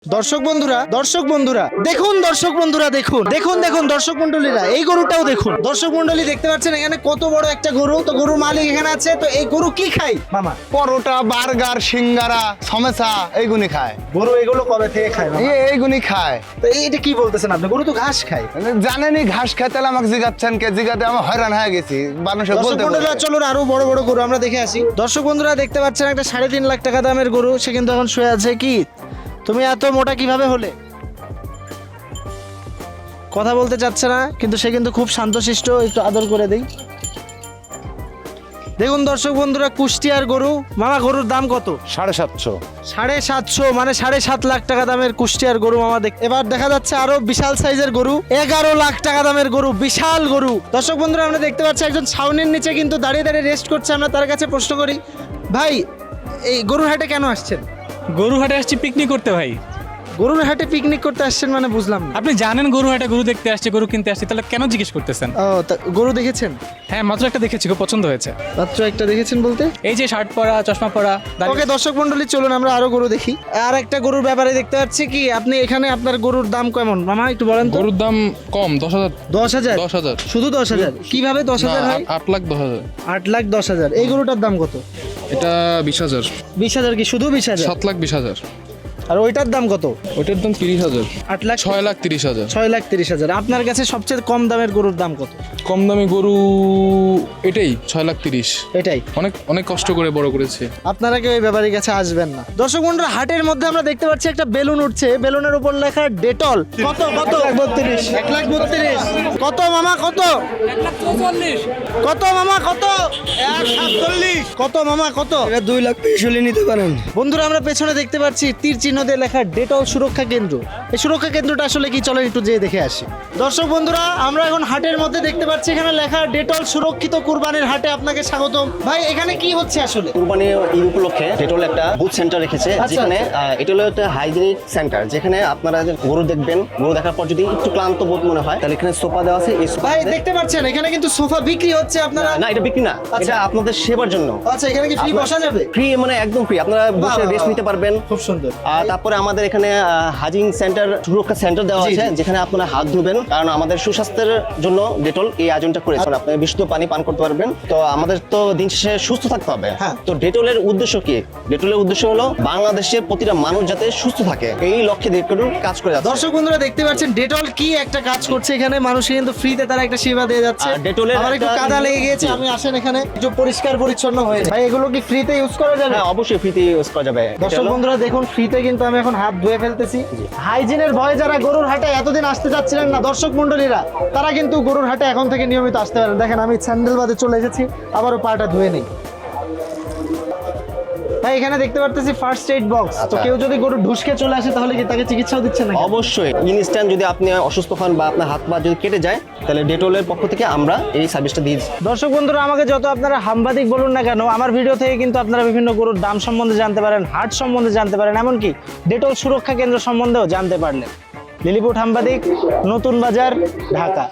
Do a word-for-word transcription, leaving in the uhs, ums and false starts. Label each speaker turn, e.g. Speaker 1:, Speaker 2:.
Speaker 1: দর্শক বন্ধুরা দর্শক বন্ধুরা দেখুন দর্শক বন্ধুরা দেখুন দেখুন দেখুন দর্শক মন্ডলীরা এই গরুটাও দেখুন। দর্শক মন্ডলী দেখতে পাচ্ছেন এখানে কত বড় একটা গরু। তো গরুর মালিক এখানে আছে। তো এই গরু কি খায় মামা?
Speaker 2: পরোটা, বার্গার, সিঙ্গারা, সমোসা এইগুলি খায়।
Speaker 1: গরু এগুলো কবে থেকে খায় মামা?
Speaker 2: এই এইগুলি খায়।
Speaker 1: তো এইটা কি বলতেছেন আপনি? গরু তো ঘাস খায়।
Speaker 2: জানেনি ঘাস খায়, তাহলে আমাকে জিগাচ্ছেন কে? জিগাতে আমি হয়রান হয়ে গেছি। মানুষের
Speaker 1: দর্শক
Speaker 2: বলতে
Speaker 1: বন্ধুরা
Speaker 2: বলতে।
Speaker 1: চলুন আরো বড় বড় গরু আমরা দেখে আসি। দর্শক বন্ধুরা দেখতে পাচ্ছেন একটা সাড়ে তিন লাখ টাকা দামের গরু। সে কিন্তু এখন শুয়ে আছে। কি তুমি এত মোটা কিভাবে হলে? কথা বলতে চাচ্ছে না, কিন্তু সে কিন্তু খুব শান্তশিষ্ট। একটু আদর করে দেই। দেখুন দর্শক বন্ধুরা কুষ্টিয়ার গরু। মামা গরুর দাম কত?
Speaker 2: সাড়ে সাতশো।
Speaker 1: সাড়ে সাতশো মানে সাড়ে সাত লাখ টাকা দামের কুষ্টিয়ার গরু মামা। দেখ এবার দেখা যাচ্ছে আরো বিশাল সাইজের গরু, এগারো লাখ টাকা দামের গরু, বিশাল গরু। দর্শক বন্ধুরা আমরা দেখতে পাচ্ছি একজন ছাউনির নিচে কিন্তু দাঁড়িয়ে দাঁড়িয়ে রেস্ট করছে। আমরা তার কাছে প্রশ্ন করি, ভাই এই গরুর হাটে কেন আসছেন?
Speaker 3: গরু হাটে আসছি পিকনিক করতে ভাই।
Speaker 1: গরুর হাটে পিকনিক করতে আসছেন মানে বুঝলাম না।
Speaker 3: আপনি জানেন গরু হাটে গরু দেখতে আসছে, গরু কিনতে আসছে, তাহলে কেন জিজ্ঞেস করতেছেন?
Speaker 1: ও তা গরু দেখেছেন?
Speaker 3: হ্যাঁ, মাত্র একটা দেখেছি, খুব পছন্দ হয়েছে।
Speaker 1: মাত্র একটা দেখেছেন বলতে?
Speaker 3: এই যে শার্ট পরা, চশমা পরা, দাড়ি-
Speaker 1: ওকে দর্শক মন্ডলী চলুন আমরা আরো গরু দেখি। আর একটা গরুর ব্যাপারে দেখতে পাচ্ছি কি আপনি এখানে আপনার গরুর দাম কেমন মামা একটু বলেন তো?
Speaker 4: গরুর দাম কম, দশ হাজার।
Speaker 1: দশ হাজার
Speaker 4: দশ হাজার
Speaker 1: শুধু দশ হাজার কিভাবে দশ হাজার হয়?
Speaker 4: আট লাখ দশ হাজার।
Speaker 1: আট লাখ দশ হাজার এই গরুটার দাম কত?
Speaker 4: এটা বিশ হাজার।
Speaker 1: বিশ হাজার কি শুধু বিশ হাজার?
Speaker 4: সাত লাখ বিশ হাজার।
Speaker 1: আর ওইটার দাম কত?
Speaker 4: ওটার দাম তিরিশ হাজার।
Speaker 1: আট লাখ
Speaker 4: ছয় লাখ তিরিশ হাজার।
Speaker 1: ছয় লাখ তিরিশ হাজার আপনার কাছে সবচেয়ে কম দামের গরুর দাম কত?
Speaker 4: কম দামি গরু এটাই ছয় লাখ তিরিশ।
Speaker 1: এটাই।
Speaker 4: অনেক অনেক কষ্ট করে বড় করেছে।
Speaker 1: আপনারা কেউ এই ব্যাপারের কাছে আসবেন না। দর্শক বন্ধুরা হাটের মধ্যে আমরা দেখতে পাচ্ছি একটা বেলুন উঠছে। বেলুনের উপর লেখা ডেটল। কত কত? বত্রিশ। এক লাখ বত্রিশ। কত মামা কত? কত মামা কত? এক সাতচল্লিশ। কত মামা কত?
Speaker 5: দুই লাখ পিস হলে নিতে পারেন।
Speaker 1: বন্ধুরা আমরা পেছনে দেখতে পাচ্ছি তীর চিহ্ন দিয়ে লেখা ডেটল সুরক্ষা কেন্দ্র। এই সুরক্ষা কেন্দ্রটা আসলে কি চলেন একটু যেয়ে দেখে আসি। দর্শক বন্ধুরা আমরা এখন হাটের মধ্যে দেখতে পাচ্ছি এখানে লেখা ডেটল সুরক্ষিত কুরবানির হাটে আপনাকে স্বাগতম। ভাই এখানে কি হচ্ছে আসলে?
Speaker 6: কুরবানি ঈদ উপলক্ষে ডেটল একটা বুথ সেন্টার রেখেছে,
Speaker 1: আচ্ছা,
Speaker 6: যেখানে আহ, এটা হলো একটা হাইজিনিক সেন্টার, যেখানে আপনারা যে গরু দেখবেন, গরু দেখার পর যদি একটু ক্লান্ত বোধ মনে হয় তাহলে এখানে সোফা দেওয়া আছে। এই সোফা
Speaker 1: ভাই দেখতে পাচ্ছেন এখানে কিন্তু সোফা বিক্রি হচ্ছে। আপনারা
Speaker 6: না, এটা বিক্রি না,
Speaker 1: আচ্ছা।
Speaker 6: এটা আপনাদের সেবার জন্য।
Speaker 1: আচ্ছা এখানে কি ফ্রি বসা যাবে?
Speaker 6: ফ্রি মানে একদম ফ্রি, আপনারা বসে
Speaker 1: বাহ,
Speaker 6: রেস্ট নিতে পারবেন।
Speaker 1: খুব সুন্দর।
Speaker 6: আর তারপরে আমাদের এখানে হাজিং সেন্টার, সুরক্ষা সেন্টার দেওয়া
Speaker 1: জি,
Speaker 6: আছে,
Speaker 1: জি।
Speaker 6: যেখানে আপনারা হাত ধুবেন, কারণ আমাদের সুস্বাস্থ্যের জন্য ডেটল এই আয়োজনটা করেছে। আপনি বিশুদ্ধ পানি পান করতে পারবেন। তো আমাদের তো দিন শেষে সুস্থ থাকতে হবে।
Speaker 1: হ্যাঁ।
Speaker 6: তো ডেটলের উদ্দেশ্য কি? ডেটলের উদ্দেশ্য হলো বাংলাদেশের প্রতিটা মানুষ যাতে সুস্থ থাকে, এই লক্ষ্যে ডেটল কাজ করে যাচ্ছে।
Speaker 1: দর্শক বন্ধুরা দেখতে পাচ্ছেন ডেটল কি একটা কাজ করছে এখানে। মানুষকে কিন্তু ফ্রিতে তারা একটা সেবা দিয়ে যাচ্ছে।
Speaker 6: আর ডেটলের
Speaker 1: আমার একটু
Speaker 6: একটা-
Speaker 1: কাদা লেগে গিয়েছে,
Speaker 6: জি।
Speaker 1: আপনি আসেন এখানে একটু পরিষ্কার পরিচ্ছন্ন হয়ে যান। ভাই এগুলো কি ফ্রিতে ইউজ করা যাবে?
Speaker 6: হ্যাঁ, অবশ্যই ফ্রিতে ইউজ করা যাবে। এটা
Speaker 1: দর্শক
Speaker 6: হলো-
Speaker 1: বন্ধুরা দেখুন ফ্রিতে কিন্তু আমি এখন হাত ধুয়ে ফেলতেছি। হাইজিনের ভয়ে যারা গরুর হাটে এতদিন আসতে চাচ্ছিলেন না দর্শক মন্ডলীরা, তারা কিন্তু গরুর হাটে এখন থেকে নিয়মিত আসতে পারেন। দেখেন আমি স্যান্ডেল বাদে চলে এসেছি, আবারও পাটা ধুয়ে নেই। ভাই এখানে দেখতে পারতেছি ফার্স্ট এইড বক্স। তো
Speaker 6: আচ্ছা।
Speaker 1: কেউ যদি গরু ঢুসকে চলে আসে তাহলে কি তাকে চিকিৎসাও দিচ্ছেন না?
Speaker 6: অবশ্যই ইনস্ট্যান্ট যদি আপনি অসুস্থ হন বা আপনার হাত পা যদি কেটে যায়, তাহলে ডেটলের পক্ষ থেকে আমরা এই সার্ভিসটা দিই।
Speaker 1: দর্শক বন্ধুরা আমাকে যত আপনারা হামবাদিক বলুন না কেন, আমার ভিডিও থেকে কিন্তু আপনারা বিভিন্ন গরুর দাম সম্বন্ধে জানতে পারেন, হাট সম্বন্ধে জানতে পারেন, এমনকি ডেটল সুরক্ষা কেন্দ্র সম্বন্ধেও জানতে পারলেন। লিলিপুট হামবাদিক, নতুন বাজার, ঢাকা।